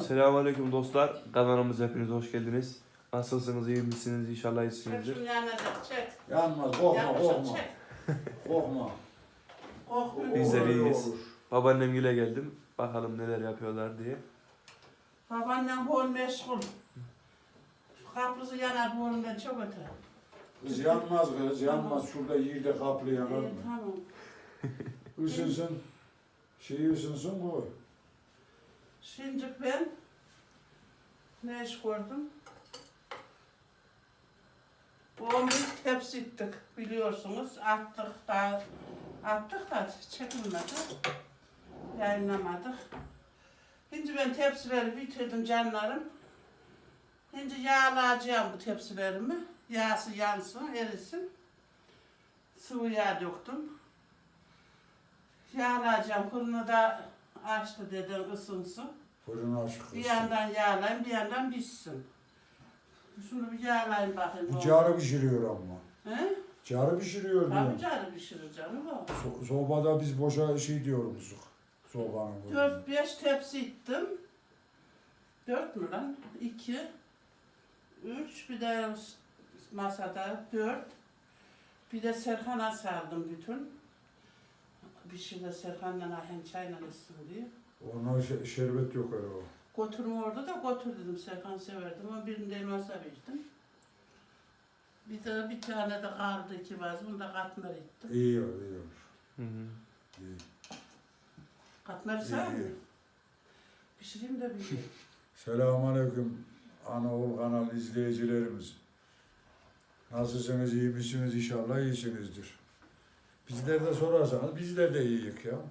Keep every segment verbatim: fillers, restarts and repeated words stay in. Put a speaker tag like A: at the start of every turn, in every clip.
A: Selamünaleyküm dostlar. Kanalımıza hepiniz hoş geldiniz. Nasılsınız, iyi misiniz? İnşallah iyisinizdir.
B: Şunu yanacak, çek.
C: Yanmaz, korkma,
B: Yapmışım,
C: korkma.
B: çek.
C: Korkma.
B: Korkma.
A: Biz de
C: Olur,
A: iyiyiz.
C: olur.
A: Babaannem güle geldim. Bakalım neler yapıyorlar diye.
B: Babaannem bol meşgul. Kaplısı yanar bolundan çok öte.
C: Kız yanmaz kız, yanmaz. Şurada yerde kaplı yanar
B: İyi,
C: mı?
B: tamam.
C: Isınsın. Şey ısınsın bu.
B: Şimdi ben ne iş gördüm? On bir tepsi ittik biliyorsunuz. Attık da attık da çekilmedi. Yayınlamadık. Şimdi ben tepsileri bitirdim canlarım. Şimdi yağlayacağım bu tepsilerimi. Yağsı yansın, erisin. Sıvı yağ döktüm. Yağlayacağım. Fırını da açtı dedim ısınsın.
C: Fırını açık.
B: Bir yandan yağlayayım, bir yandan pişsin. Şunu bir yağlayayım bakayım.
C: Bu carı pişiriyor ama.
B: He?
C: Carı pişiriyor
B: Tabii
C: diyor.
B: carı pişireceğim o.
C: So sobada biz boşa şey diyoruz. Sobanın. bu.
B: Dört beş tepsi ittim. Dört mü lan? İki. Üç. Bir de masada dört. Bir de Serkan'a sardım bütün. Bir şey de Serkan'la ahen çayla ısın diye.
C: Ona şe- şerbet yok öyle o.
B: Götürme orada da götür dedim. Serkan severdim ama birini de elmasa verdim. Bir de bir tane de kaldı iki vaz. Bunu da katmer ettim.
C: İyi olur, iyi olur.
A: Hı hı.
C: İyi.
B: Katmeri
C: İyi,
B: sağ mı?
C: iyi.
B: Pişireyim de bir şey.
C: Selamünaleyküm Anaol kanal izleyicilerimiz. Nasılsınız, iyi misiniz? İnşallah iyisinizdir. Bizler de sorarsanız bizler de iyiyiz ya.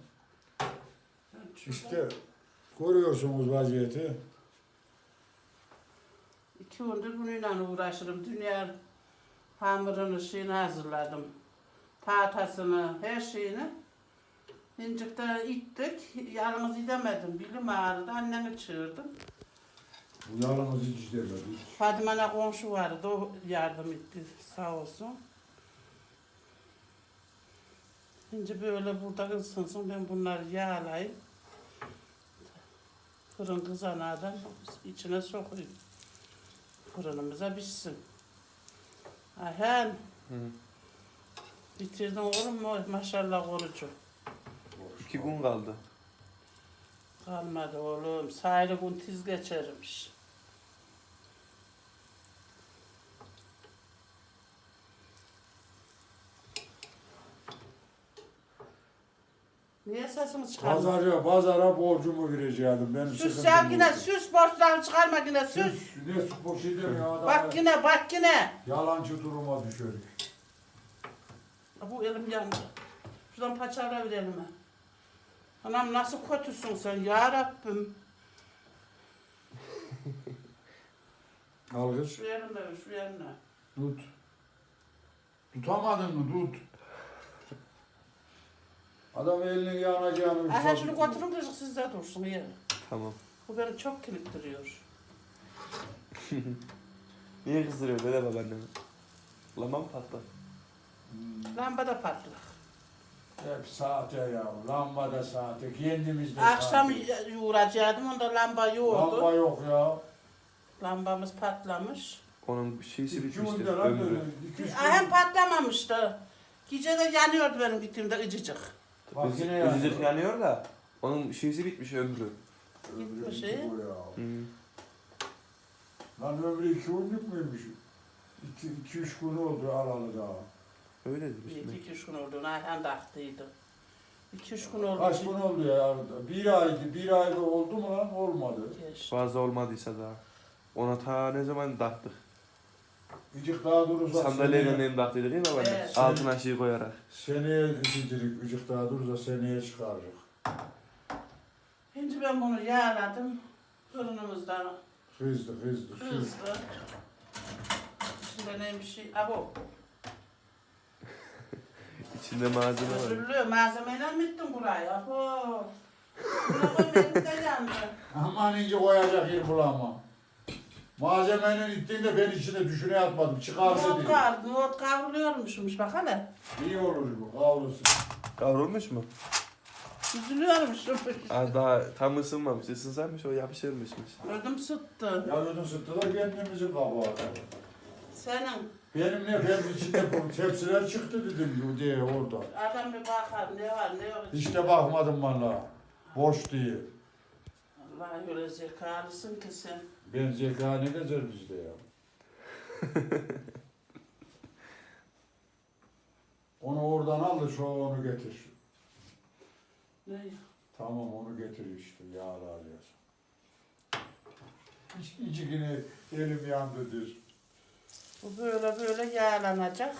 C: İşte görüyorsunuz vaziyeti.
B: İki gündür bununla uğraşırım. Dünya hamurunu, şeyini hazırladım. Tahtasını, her şeyini. İncikte ittik. Yalnız gidemedim. Bilim ağrıdı. Annemi çığırdım.
C: Bu yalnız hiç demedik.
B: Fadime'ne komşu vardı. O yardım etti. Sağ olsun. Şimdi böyle burada ısınsın. Ben bunları yağlayayım. Fırın kızanadan içine sokayım. Fırınımıza pişsin. Ayhan.
A: Hı.
B: Bitirdin oğlum mu? Maşallah orucu.
A: İki gün kaldı.
B: Kalmadı oğlum. Sayılı gün tiz geçermiş. Niye sesini çıkarmadın?
C: Pazara, pazara borcumu vereceğim. Benim
B: Süs
C: sıkıntım
B: ya yine
C: yok.
B: süs borçlarını çıkarma yine süs.
C: Süs. Ne süs boş edeyim ya adam.
B: Bak yine bak yine.
C: Yalancı duruma düşerik.
B: Bu elim yandı. Şuradan paçavra ver elime. Anam nasıl kötüsün sen ya Rabbim.
C: Al kız.
B: Şu elimle ver şu elimle.
C: Tut. Tutamadın mı? Tut. Adam elini yanacağını...
B: Aha şunu götürün kızık sizde dursun ya.
A: Tamam.
B: Bu beni çok kilitleniyor.
A: Niye kızdırıyor böyle babaannemi? Lama mı patlar?
B: Lamba da patlak.
C: Hep saate ya. Lamba da saate. Kendimiz de
B: Akşam
C: saate.
B: uğrayacaktım onda lamba yoktu.
C: Lamba yok ya.
B: Lambamız patlamış.
A: Onun bir şeysi
C: İki
A: bitmiştir.
C: günde lan
A: Ömrü.
C: böyle. iki üç
B: Hem
C: gün.
B: patlamamıştı. Gece de yanıyordu benim gittiğimde ıcıcık.
C: Bak
A: Biz-
C: yine yanıyor.
A: Bizcik yanıyor da onun şeysi bitmiş ömrü.
B: Gitmiş
C: Ömrü
B: iyi.
C: iki bu ya.
A: Hı.
C: Lan ömrü iki günlük müymüş? İki, iki üç gün oldu alalı daha.
A: Öyle
B: Bir
A: demiş.
B: iki üç gün oldu. Ayhan da haklıydı. İki üç gün oldu.
C: Kaç gün oldu ya? Bir aydı. Bir ayda oldu mu lan? Olmadı.
B: Geç.
A: Fazla olmadıysa daha. Ona ta ne zaman taktık?
C: Gıcık daha durursa
A: Sandalyeyle
C: seneye,
A: nem taktıydık değil mi babaanne?
B: Evet.
A: Altına şey koyarak.
C: seneye gıcık, gıcık daha durursa seneye çıkaracak.
B: Şimdi ben bunu yağladım. Fırınımızdan
C: Hızlı hızlı. hızlı.
B: hızlı. İçinde neymiş şey? Abo.
A: İçinde malzeme var.
B: Özürlü. Malzemeyle mi ettin burayı? Abo. Buna koy benim de yandı.
C: Aman ince koyacak yer bulamam. Malzemenin ittiğinde ben içine düşüne yatmadım. Çıkarsa
B: Not
C: diye.
B: kar, not kavruluyormuşmuş bak hele.
C: İyi olur bu. Kavrulsun.
A: Kavrulmuş mu?
B: Üzülüyormuşum.
A: Az daha tam ısınmamış. Isınsaymış o yapışırmışmış.
B: Ödüm sıttı.
C: Ya ödün sıktılar kendimizin kabağı.
B: Senin
C: Benim ne ben içinde bu tepsiler çıktı dedim diye orada.
B: adam bir bakar ne var ne yok.
C: Hiç de bakmadım valla. Boş diye.
B: Allah öyle zekalısın ki sen.
C: Ben zeka ne gezer bizde ya. Onu oradan al da şu onu getir.
B: Ne?
C: Tamam onu getir işte yağlı alıyorsun. Hiç içikini elim yandı diyor.
B: Bu böyle böyle yağlanacak.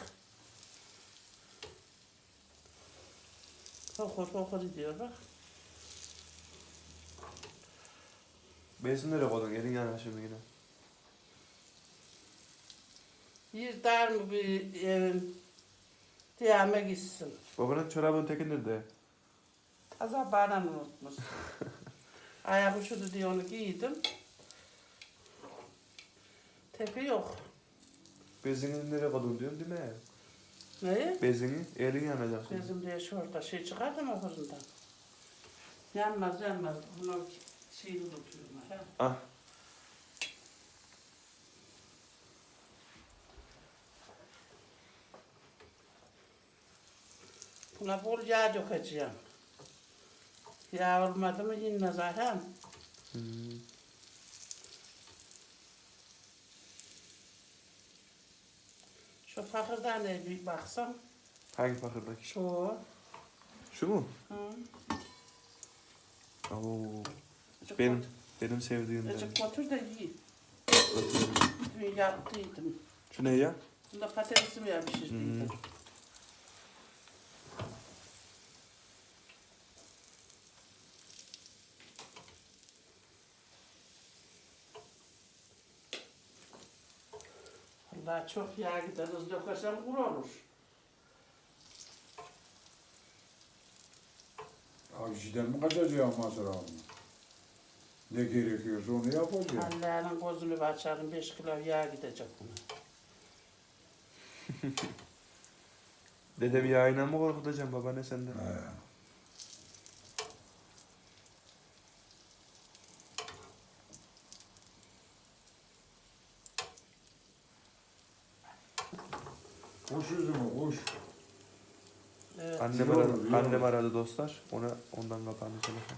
B: Fokur fokur diyor bak.
A: Bezin nereye koydun? Elin yana şimdi yine.
B: Bir dar mı bir evin diyeme gitsin.
A: Babanın çorabının teki nerede?
B: Taza bana unutmuş. Ayak uçudu diye onu giydim. Tepi yok.
A: Bezini nereye koydun diyorum değil mi?
B: Neyi?
A: Bezini elin yanacak şimdi.
B: Bizim diye şurada şey çıkardım o fırından. Yanmaz yanmaz. Bunu şeyini tutuyorum. Ha.
A: Ah.
B: Buna bol yağ dökeceğim. Yağ olmadı mı yenmez Ayhan.
A: Hmm.
B: Şu fakirden de bir baksam.
A: Hangi fakırdaki?
B: Şu.
A: Şu mu?
B: Hı.
A: Oo.
B: Azıcık
A: Benim
B: götür-
A: benim sevdiğimden.
B: Azıcık götür de yiyin. Dün yaptıydım.
A: Şu ne ya?
B: Bunda patatesimi ya pişirdiydim.
A: Hı.
B: Vallahi çok yağ gider. Hızlı dökersem kuru olur.
C: Abi sizden mi kaçacağım masrafını? Ne gerekiyorsa onu yapacağım.
B: Allah'ın gözünü bir açarım. Beş kilo yağ gidecek buna.
A: Dedem yayına mı korkutacağım babaanne senden?
C: He. Kuş üzümü kuş.
B: Evet.
A: Annem
C: Biliyorum,
A: aradı,
C: biliyorum.
A: annem aradı dostlar. Ona ondan kapandı telefon.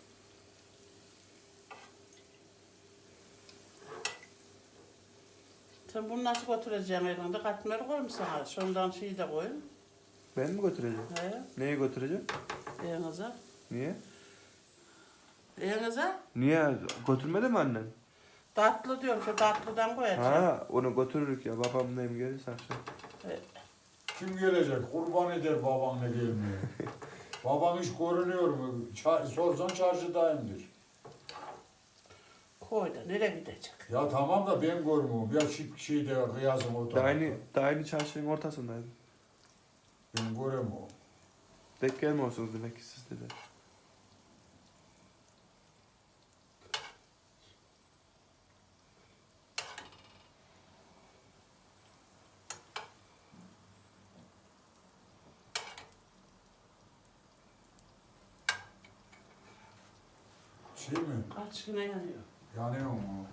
B: Sen bunu nasıl götüreceksin elinde? Katmer koyayım sana. Şundan şeyi de koyun.
A: Ben mi götüreceğim?
B: He.
A: Neyi götüreceğim?
B: Elinize.
A: Niye?
B: Elinize.
A: Niye? Götürmedi mi annen?
B: Tatlı diyorum. Şu tatlıdan koyacağım.
A: Ha, onu götürürük ya. Babam neyim gelirse akşam.
C: Kim gelecek? Kurban eder baban ne gelmiyor. Babam hiç görünüyor mu? Ça- sorsan çarşıdayımdır.
B: Koy da nereye gidecek?
C: Ya tamam da ben görmüyorum. Ya şık şeyde kıyasım o
A: Da
C: tarafta.
A: aynı, da aynı çarşının ortasındaydım.
C: Ben göremiyorum.
A: Denk gelmiyorsunuz demek ki siz dedi.
C: Şey mi?
B: Kaç güne yanıyor.
C: Yanıyor mu?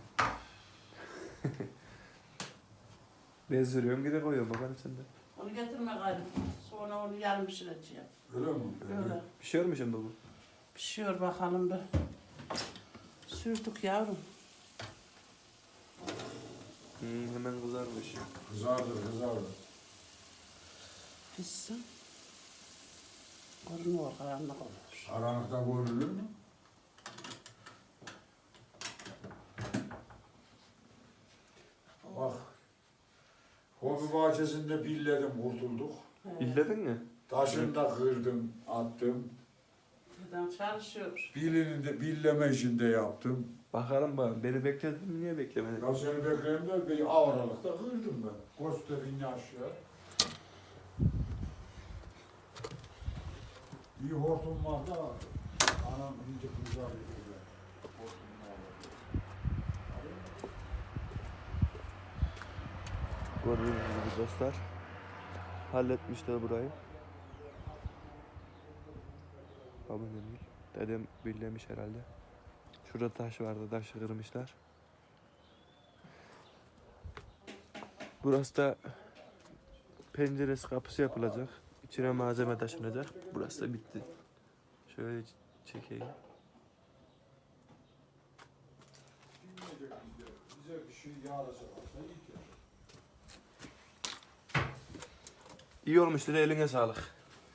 A: Bezdiriyorum gide koyuyorum babanın sende.
B: Onu getirme gayrı. Sonra onu yarım pişireceğim.
C: Öyle mi?
B: Öyle.
A: Pişiyor mu şimdi bu?
B: Pişiyor bakalım bir. Sürdük yavrum.
A: Hmm, hemen kızarmış.
C: Kızardır kızardır.
B: Pişsin. Görünüyor, karanlık olur.
C: Karanlıkta görülür mü? Bak. Hobi bahçesinde billedim kurtulduk.
B: Evet.
A: İlledin mi?
C: Taşını da kırdım, attım.
B: Buradan çalışıyor.
C: Bilini de billeme işinde yaptım.
A: Bakalım bana. Beni bekledin mi? Niye beklemedin?
C: Ya seni bekleyeyim de bir avralıkta kırdım ben. Gösterin aşağı. İyi hortum var da anam ince kızar ediyor. Hortum var.
A: Gördüğünüz gibi dostlar. Halletmişler burayı. babamın değil. Dedem birlemiş herhalde. Şurada taş vardı, taşı kırmışlar. Burası da penceresi, kapısı yapılacak. İçine malzeme taşınacak. Burası da bitti. Şöyle çekeyim.
C: Bize bir şey yarasa varsa iyi ki.
A: İyi olmuştur, eline sağlık.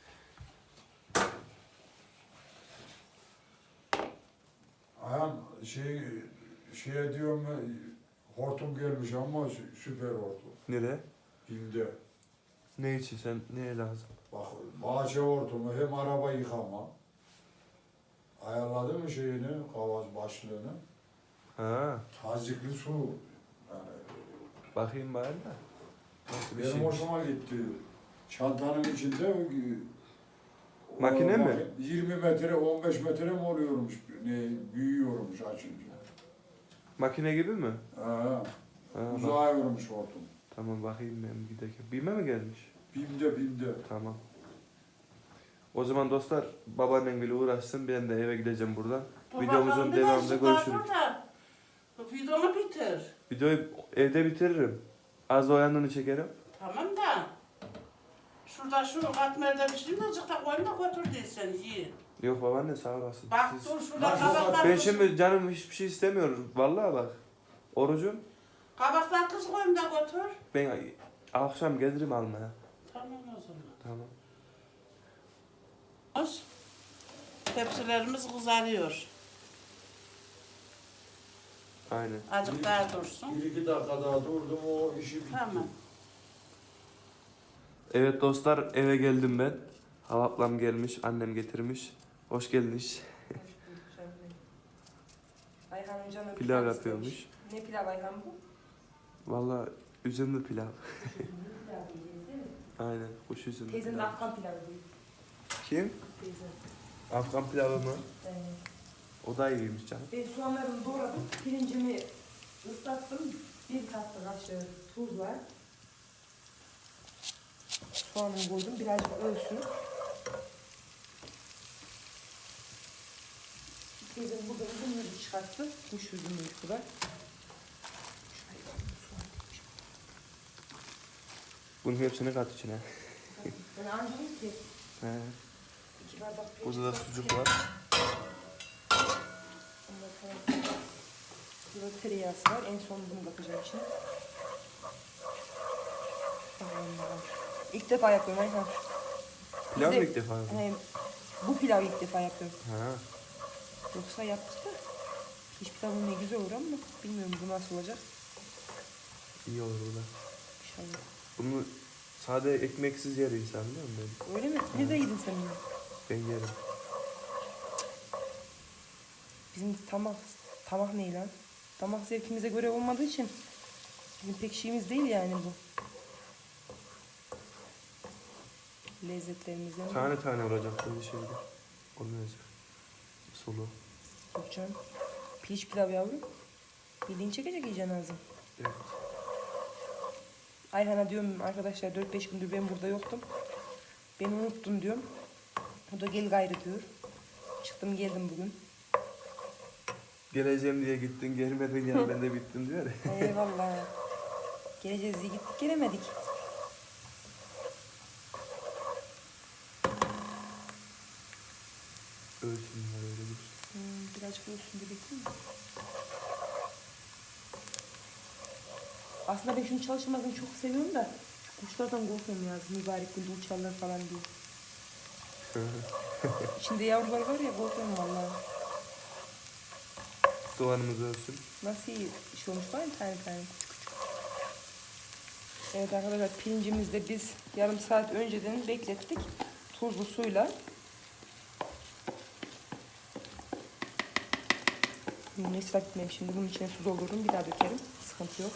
C: Ayhan şey şeye diyorum hortum gelmiş ama sü- süper hortum.
A: Nereye?
C: Bim'de.
A: Ne için sen, neye lazım?
C: Bak bahçe hortumu hem araba yıkama. Ayarladın mı şeyini, kavaz başlığını?
A: Ha,
C: Tazikli su. Yani
A: bakayım bari da. Nasıl bir
C: benim
A: şeymiş?
C: hoşuma gitti. Çantanın içinde o-
A: Makine
C: o-
A: mi?
C: yirmi metre, on beş metre mi oluyormuş? Ne, büyüyormuş açınca.
A: Makine gibi mi?
C: Ha,
A: Ha, bak.
C: uzayıyormuş hortum.
A: Tamam bakayım ben giderken. Bime mi gelmiş?
C: Bim'de bim'de.
A: Tamam. O zaman dostlar babaannemle uğraşsın. Ben de eve gideceğim buradan. Videomuzun
B: Babam
A: devamında
B: biraz daha
A: görüşürüz.
B: dur da, Videonu bitir.
A: Videoyu evde bitiririm. Az da o yanını çekerim.
B: Tamam da. Şurada şu katmerde bir şey mi azıcık da koyun da götür değilsen yiyin.
A: Yok babaanne sağ olasın.
B: Bak
A: Siz-
B: dur şurada
C: Nasıl
B: kabaklar
A: Ben
B: kız-
A: şimdi canım hiçbir şey istemiyorum. Vallahi bak. Orucum.
B: kabaklar kız koyun da götür.
A: Ben akşam gelirim almaya.
B: Tamam o zaman.
A: Tamam.
B: Tepsilerimiz kızarıyor.
A: Aynen.
B: Azıcık daha dursun.
C: Bir iki dakika daha durdum o işi bitti.
B: Tamam.
A: Evet dostlar eve geldim ben. Hava ablam gelmiş, annem getirmiş. Hoş geldiniz.
D: Ayhan'ın canı
A: Pilav
D: istemiş.
A: yapıyormuş.
D: Ne pilav Ayhan bu?
A: Vallahi üzümlü pilav.
D: Pilav diyeceğiz değil mi?
A: Aynen kuş üzümlü
D: Teyzenin de
A: pilav.
D: Afgan pilavı değil.
A: Kim?
D: Teyze.
A: Afgan pilavı mı?
D: Yani
A: O da iyiymiş canım.
D: ben soğanlarımı doğradım. Pirincimi ıslattım. Bir tatlı kaşığı tuz var. Soğanımı koydum. Birazcık ölsün. Teyzem burada üzümleri çıkarttı. Kuş üzümleri bu da.
A: Bunun hepsini kat içine.
D: Ben ancak ki
A: He.
D: iki bardak pirinç
A: Burada da
D: ıslattım.
A: sucuk var.
D: Ondan sonra burada tereyağısı var. En son bunu bakacağım içine. Allah'ım. İlk defa yapıyorum Ayhan.
A: Pilav mı
D: Bize-
A: ilk defa yapıyorsun?
D: He, bu pilavı ilk defa yapıyorum.
A: Ha.
D: Yoksa yaptık da hiç pilavın ne güzel olur ama bilmiyorum bu nasıl olacak.
A: İyi olur bu da.
D: İnşallah.
A: Bunu sade ekmeksiz yer insan biliyor musun? Ben,
D: Öyle mi? Nerede yedin sen bunu?
A: ben yerim.
D: Bizim tamak, tamak ne lan? Damak zevkimize göre olmadığı için bizim pek şeyimiz değil yani bu. Lezzetlerimizden.
A: Tane tane olacak böyle şeyde. Olmayacak. Sulu.
D: Yok canım. Pirinç pilav yavrum. Bildiğin çekecek yiyeceksin ağzın.
A: Evet.
D: Ayhan'a diyorum arkadaşlar dört beş gündür ben burada yoktum. Beni unuttun diyorum. O da gel gayrı diyor. Çıktım geldim bugün.
A: Geleceğim diye gittin, gelmedin ya ben de bittim diyor ya.
D: Eyvallah. Geleceğiz diye gittik gelemedik.
A: Ölsünler öyle bir.
D: Hmm, birazcık olsun dedik değil mi? Aslında ben şunu çalışmasını çok seviyorum da kuşlardan korkuyorum ya. Mübarek günde uçarlar falan diye. İçinde yavrular var ya korkuyorum vallahi.
A: Soğanımız ölsün.
D: Nasıl iyi iş olmuş var ya tane tane küçük küçük. Evet arkadaşlar pirincimizi de biz yarım saat önceden beklettik. Tuzlu suyla. Ne ıslak etmeyeyim şimdi bunun içine su doldururum bir daha dökerim. Sıkıntı yok.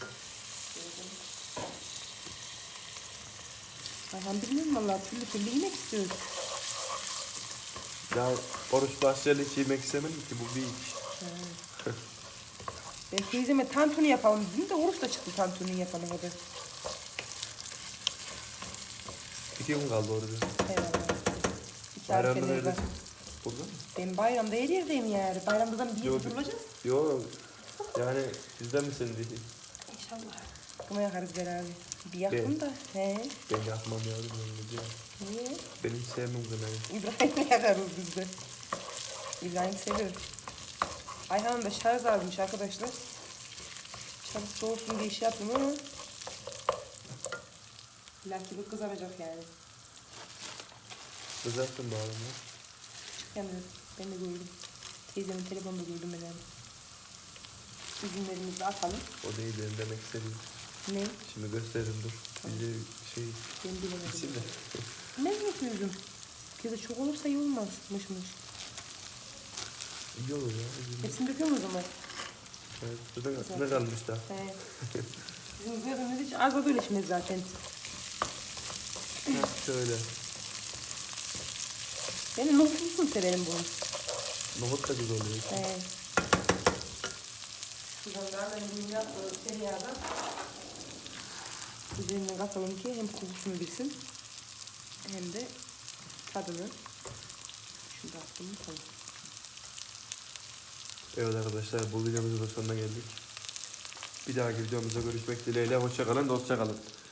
D: Ayhan bilmiyorum valla türlü türlü yemek istiyoruz.
A: Daha oruç başlayalı hiç yemek istemedim ki bu bir iş.
D: Ben teyzeme tantuni yapalım dedim de oruç da çıktı tantuni yapana kadar.
A: İki gün kaldı orada.
D: Eyvallah. İki
A: Bayramda
D: harfleri var.
A: neredesin? Burada mı?
D: Ben bayramda her yerdeyim yani. Bayramdan bir
A: Yok.
D: yerde duracağız.
A: Yok. Yani bizden misin diye.
D: İnşallah. Kına yakarız beraber. Bir yakın da. He.
A: Ben yapmam yavrum öyle diyor.
D: Niye?
A: Ben hiç sevmem kınayı.
D: İbrahim'le yakarız biz de. İbrahim seviyor. Ayhan'ın da şarj almış arkadaşlar. Şarj soğusun diye şey yaptım ama İllaki bu kızaracak yani.
A: Kızarsın bağlı mı?
D: Yani ben de gördüm. Teyzemin telefonunda gördüm ben yani. Üzümlerimizi de atalım.
A: O değil benim demek istediğim.
D: Ne?
A: Şimdi gösteririm dur. Bize şey
D: Ben bilemedim.
A: bitsin de.
D: Ne yapıyorsun? Kızı çok olursa iyi olmaz. Mış mış.
A: İyi olur ya. üzülme.
D: Hepsini döküyor muyuz ama?
A: Evet, zaten ne kalmış daha?
D: He. Bizim gözümüz hiç az da böyle işimiz zaten.
A: Ha, şöyle.
D: Ben nohutlusunu severim bunu.
A: Nohut da güzel oluyor.
D: He. Şuradan da ben bunu yaptığım tereyağdan üzerinden katalım ki hem kokusunu bilsin hem de tadını. Şunu da attım mı tamam.
A: Evet arkadaşlar bu videomuzun da sonuna geldik. Bir dahaki videomuzda görüşmek dileğiyle. Hoşça kalın, dostça kalın.